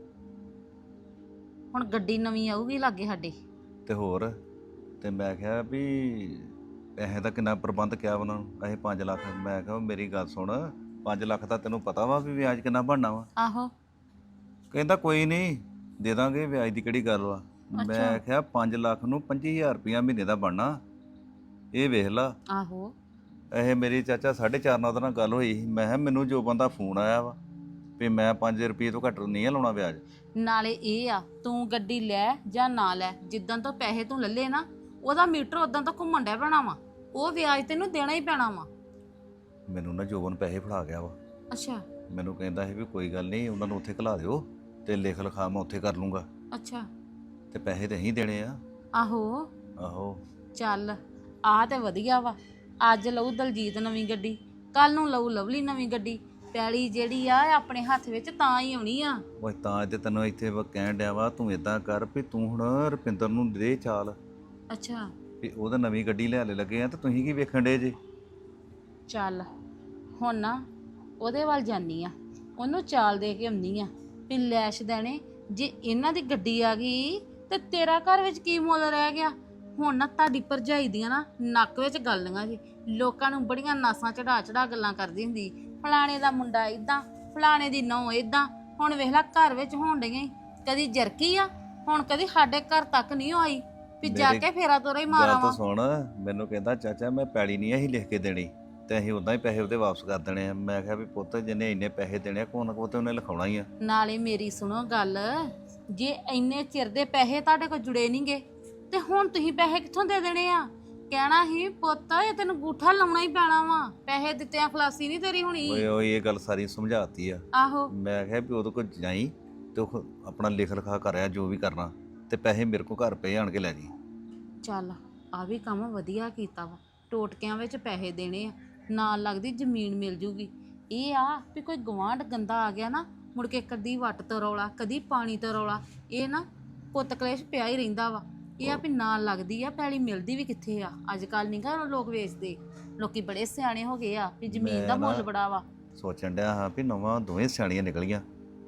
ਹੁਣ ਗੱਡੀ ਨਵੀਂ ਆਊਗੀ ਲਾਗੇ ਸਾਡੇ। ਤੇ ਹੋਰ, ਤੇ ਮੈਂ ਕਿਹਾ ਵੀ ਪੈਸੇ ਦਾ ਕਿੰਨਾ ਪ੍ਰਬੰਧ ਕਿਹਾ ਉਹਨਾਂ ਨੂੰ, ਅਸੀਂ 5 ਲੱਖ। ਮੈਂ ਕਿਹਾ ਮੇਰੀ ਗੱਲ ਸੁਣ, 5 ਲੱਖ ਦਾ ਤੈਨੂੰ ਪਤਾ ਵਾ ਵੀ ਵਿਆਜ ਕਿੰਨਾ ਬਣਨਾ ਵਾ? ਆਹੋ ਕਹਿੰਦਾ ਕੋਈ ਨਹੀਂ ਦੇ ਦਾਂਗੇ, ਵਿਆਜ ਦੀ ਕਿਹੜੀ ਗੱਲ ਵਾ। ਮੈਂ ਕਿਹਾ 5 ਲੱਖ ਨੂੰ 25000 ਰੁਪਇਆ ਮਹੀਨੇ ਦਾ ਬਣਨਾ, ਇਹ ਵੇਖ ਲਾ। ਆਹੋ ਇਹ ਮੇਰੀ ਚਾਚਾ 4.5 ਨਾਲ ਉਹਦੇ ਨਾਲ ਗੱਲ ਹੋਈ ਸੀ। ਮੈਂ ਕਿਹਾ ਮੈਨੂੰ ਜੋ ਬੰਦਾ ਫੋਨ ਆਇਆ ਵਾ ਵੀ ਮੈਂ 5 ਰੁਪਏ ਤੋਂ ਘੱਟ ਨਹੀਂ ਲਾਉਣਾ ਵਿਆਜ। ਨਾਲੇ ਇਹ ਆ ਤੂੰ ਗੱਡੀ ਲੈ ਜਾਂ ਨਾ ਲੈ, ਜਿੱਦਾਂ ਤੋਂ ਪੈਸੇ ਤੂੰ ਲੱਲੇ ਨਾ ਉਹਦਾ ਮੀਟਰ ਉਦਾਂ ਤੋਂ ਘੁੰਮਣ ਡਿਆ ਪੈਣਾ ਵਾ, ਉਹ ਵਿਆਜ ਤੈਨੂੰ ਦੇਣਾ ਹੀ ਪੈਣਾ ਵਾ। ਮੈਨੂੰ ਨਾ ਜੋਬਨ ਪੈਸੇ ਫੜਾ ਗਿਆ ਵਾ। ਅੱਛਾ ਮੈਨੂੰ ਕਹਿੰਦਾ ਸੀ ਵੀ ਕੋਈ ਗੱਲ ਨਹੀਂ ਉਹਨਾਂ ਨੂੰ ਉੱਥੇ ਘਲਾ ਦਿਓ ਤੇ ਲਿਖ ਲਿਖਾ ਮੈਂ ਉੱਥੇ ਕਰ ਲੂੰਗਾ, ਅੱਛਾ ਤੇ ਪੈਸੇ ਤੇ ਅਸੀਂ ਦੇਣੇ ਆ। ਆਹੋ ਆਹੋ ਚੱਲ ਆ ਤੇ ਵਧੀਆ ਵਾ। ਅੱਜ ਲਊ ਦਲਜੀਤ ਨਵੀਂ ਗੱਡੀ, ਕੱਲ ਨੂੰ ਲਊ ਲਵਲੀ ਨਵੀਂ ਗੱਡੀ। ਪੈਲੀ ਜਿਹੜੀ ਆ ਇਹ ਆਪਣੇ ਹੱਥ ਵਿੱਚ ਤਾਂ ਹੀ ਆਉਣੀ ਆ। ਉਹ ਤਾਂ ਤੇ ਤੈਨੂੰ ਇੱਥੇ ਕਹਿਣ ਡਿਆ ਵਾ, ਤੂੰ ਇਦਾਂ ਕਰ ਵੀ ਤੂੰ ਹੁਣ ਰੁਪਿੰਦਰ ਨੂੰ ਦੇ ਚਾਲ ਅੱਛਾ ਵੀ ਉਹਦਾ ਨਵੀਂ ਗੱਡੀ ਲਿਆਲੇ ਲੱਗੇ ਆ ਤੇ ਤੁਸੀਂ ਕੀ ਵੇਖਣ ਡੇ ਜੇ? ਚੱਲ ਹੁਣ ਨਾ ਉਹਦੇ ਵੱਲ ਜਾਨੀ ਆ, ਉਹਨੂੰ ਚਾਲ ਦੇ ਕੇ ਆਉਂਦੀ ਆ ਵੀ ਲੈਸ਼ ਦੇਣੇ ਜੇ ਇਹਨਾਂ ਦੀ ਗੱਡੀ ਆ ਗਈ ਤੇ ਤੇਰਾ ਘਰ ਵਿੱਚ ਕੀ ਮੁੱਲ ਰਹਿ ਗਿਆ। ਹੁਣ ਨਾ ਤੁਹਾਡੀ ਭਰਜਾਈ ਦੀਆਂ ਨਾ ਨੱਕ ਵਿੱਚ ਗੱਲਾਂ ਜੀ, ਲੋਕਾਂ ਨੂੰ ਬੜੀਆਂ ਨਾਸਾਂ ਚੜਾ ਗੱਲਾਂ ਕਰਦੀ ਹੁੰਦੀ, ਫਲਾਣੇ ਦਾ ਮੁੰਡਾ ਇਦਾਂ, ਫਲਾਣੇ ਦੀ ਨੌਂ ਇਦਾਂ। ਹੁਣ ਵੇਖ ਲੈ ਘਰ ਵਿੱਚ ਹੋਣ ਡਈਆਂ ਈ, ਕਦੀ ਜਰਕੀ ਆ, ਹੁਣ ਕਦੀ ਸਾਡੇ ਘਰ ਤੱਕ ਨਹੀਂ ਆਈ ਵੀ ਜਾ ਕੇ ਫੇਰਾ ਤੋਰਾ ਹੀ ਮਾਰਾਂ ਗੱਲ ਤਾਂ ਵਾ। ਸੁਣ, ਮੈਨੂੰ ਕਹਿੰਦਾ ਚਾਚਾ ਮੈਂ ਪੈਲੀ ਨਹੀਂ ਅਸੀਂ ਲਿਖ ਕੇ ਦੇਣੀ ਤੇ ਅਸੀਂ ਉਦਾਂ ਹੀ ਪੈਸੇ ਉਹਦੇ ਵਾਪਸ ਕਰ ਦੇਣੇ ਆ। ਮੈਂ ਕਿਹਾ ਵੀ ਪੁੱਤ ਜਿੰਨੇ ਇੰਨੇ ਪੈਸੇ ਦੇਣੇ ਆ ਕੋਈ ਨਾ ਕੋਈ ਤੇ ਉਹਨੇ ਲਿਖਾਉਣਾ ਹੀ ਆ। ਨਾਲੇ ਮੇਰੀ ਸੁਣੋ ਗੱਲ, ਜੇ ਇੰਨੇ ਚਿਰ ਦੇ ਪੈਸੇ ਤੁਹਾਡੇ ਕੋਲ ਜੁੜੇ ਨਹੀਂਗੇ ਤੇ ਹੁਣ ਤੁਸੀਂ ਪੈਸੇ ਕਿੱਥੋਂ ਦੇ ਦੇਣੇ ਆ? ਕਹਿਣਾ ਹੀ ਪੁੱਤ ਇਹ ਤੈਨੂੰ ਗੂਠਾ ਲਾਉਣਾ ਹੀ ਪੈਣਾ ਵਾ, ਪੈਸੇ ਦਿੱਤਿਆਂ ਖਲਾਸੀ ਨਹੀਂ ਤੇਰੀ ਹੋਣੀ। ਓਏ ਓਏ ਇਹ ਗੱਲ ਸਾਰੀ ਸਮਝਾਤੀ ਆ। ਆਹੋ ਮੈਂ ਕਿਹਾ ਵੀ ਉਹਦੇ ਕੋਲ ਜਾਈ ਤੇ ਉਹ ਆਪਣਾ ਲਿਖ ਲਿਖਾ ਕਰਿਆ ਜੋ ਵੀ ਕਰਨਾ, ਤੇ ਪੈਸੇ ਮੇਰੇ ਕੋਲ ਘਰ ਪਏ ਆਣ ਕੇ ਲੈ ਜੀ। ਚੱਲ ਆ ਵੀ ਕੰਮ ਵਧੀਆ ਕੀਤਾ ਵਾ, ਟੋਟਕਿਆਂ ਵਿੱਚ ਪੈਸੇ ਦੇਣੇ ਆ, ਨਾਲ ਲੱਗਦੀ ਜ਼ਮੀਨ ਮਿਲ ਜੂਗੀ। ਇਹ ਆ ਵੀ ਕੋਈ ਗਵਾਂਢ ਗੰਦਾ ਆ ਗਿਆ ਨਾ, ਮੁੜ ਕੇ ਕਦੀ ਵੱਟ ਤੋਂ ਰੌਲਾ, ਕਦੀ ਪਾਣੀ ਤੋਂ ਰੌਲਾ, ਇਹ ਨਾ ਪੁੱਤ ਕਲੇਸ਼ ਪਿਆ ਹੀ ਰਹਿੰਦਾ ਵਾ। ਇਹ ਆ ਵੀ ਨਾਲ ਲੱਗਦੀ ਆ, ਪੈਲੀ ਮਿਲਦੀ ਵੀ ਕਿੱਥੇ ਆ। ਅੱਜ ਕੱਲ ਨਹੀਂ ਗਾ ਲੋਕ ਵੇਚਦੇ, ਲੋਕੀ ਬੜੇ ਸਿਆਣੇ ਹੋ ਗਏ ਆ ਵੀ ਜ਼ਮੀਨ ਦਾ ਮੁੱਲ ਬੜਾ ਵਾ। ਸੋਚਣ ਡਿਆ ਹਾਂ ਵੀ ਨਵਾਂ ਦੋਵੇਂ ਸਿਆਣੀਆਂ ਨਿਕਲੀਆਂ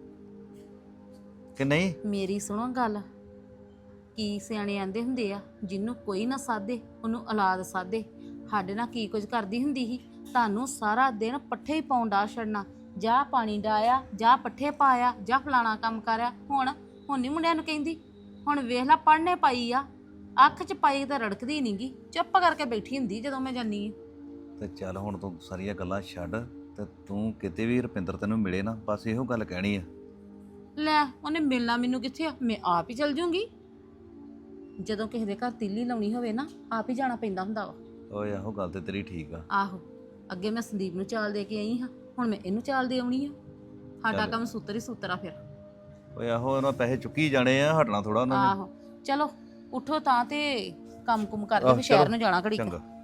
ਕਿ ਨਹੀਂ। ਮੇਰੀ ਸੁਣੋ ਗੱਲ, ਕੀ ਸਿਆਣੇ ਆਂਦੇ ਹੁੰਦੇ ਆ, ਜਿਹਨੂੰ ਕੋਈ ਨਾ ਸਾਧੇ ਉਹਨੂੰ ਔਲਾਦ ਸਾਧੇ। ਸਾਡੇ ਨਾਲ ਕੀ ਕੁਝ ਕਰਦੀ ਹੁੰਦੀ ਸੀ, ਤੁਹਾਨੂੰ ਸਾਰਾ ਦਿਨ ਪੱਠੇ ਹੀ ਪਾਉਣ ਡਾ ਛੱਡਣਾ, ਜਾਂ ਪਾਣੀ ਡਾਇਆ, ਜਾਂ ਪੱਠੇ ਪਾਇਆ, ਜਾਂ ਫਲਾਣਾ ਕੰਮ ਕਰਿਆ। ਹੁਣ ਨਹੀਂ ਮੁੰਡਿਆਂ ਨੂੰ ਕਹਿੰਦੀ। ਹੁਣ ਵੇਖ ਲੈ ਪੜ੍ਹਨੇ ਪਾਈ ਆ, ਅੱਖ 'ਚ ਪਾਈ ਤਾਂ ਰੜਕਦੀ ਨਹੀਂਗੀ, ਚੁੱਪ ਕਰਕੇ ਬੈਠੀ ਹੁੰਦੀ ਜਦੋਂ ਮੈਂ ਜਾਨੀ ਆ। ਤੇ ਚੱਲ ਹੁਣ ਤੂੰ ਸਾਰੀਆਂ ਗੱਲਾਂ ਛੱਡ ਤੇ ਤੂੰ ਕਿਤੇ ਵੀ ਰੁਪਿੰਦਰ ਤੈਨੂੰ ਮਿਲੇ ਨਾ, ਬਸ ਇਹੋ ਗੱਲ ਕਹਿਣੀ ਆ। ਲੈ ਉਹਨੇ ਮਿਲਣਾ ਮੈਨੂੰ ਕਿੱਥੇ ਆ, ਮੈਂ ਆਪ ਹੀ ਚਲ ਜੂੰਗੀ। ਜਦੋਂ ਕਿਸੇ ਦੇ ਘਰ ਤੀਲੀ ਲਾਉਣੀ ਹੋਵੇ ਨਾ, ਆਪ ਹੀ ਜਾਣਾ ਪੈਂਦਾ ਹੁੰਦਾ ਵਾ। ਓਏ ਆਹੋ ਗੱਲ ਤੇ ਤੇਰੀ ਠੀਕ ਆ। ਆਹੋ ਅੱਗੇ ਮੈਂ ਸੰਦੀਪ ਨੂੰ ਚਾਲ ਦੇ ਕੇ ਆਈ ਹਾਂ, ਹੁਣ ਮੈਂ ਇਹਨੂੰ ਚਾਲ ਦੇ ਆਉਣੀ ਆ। ਸਾਡਾ ਕੰਮ ਸੂਤਰ ਹੀ ਸੂਤਰ ਆ ਫਿਰ। ਓਏ ਆਹੋ ਉਹਨਾਂ ਪੈਸੇ ਚੁੱਕੀ ਜਾਣੇ ਆ, ਹਟਣਾ ਥੋੜਾ ਉਹਨਾਂ ਨੇ। ਆਹੋ ਚਲੋ ਉੱਠੋ ਤਾਂ ਤੇ ਕੰਮ ਕੁਮ ਕਰਕੇ ਆਹ, ਵੀ ਸ਼ਹਿਰ ਚਲੋ, ਨੂੰ ਜਾਣਾ ਘੜੀ ਕੁ। ਚੰਗਾ।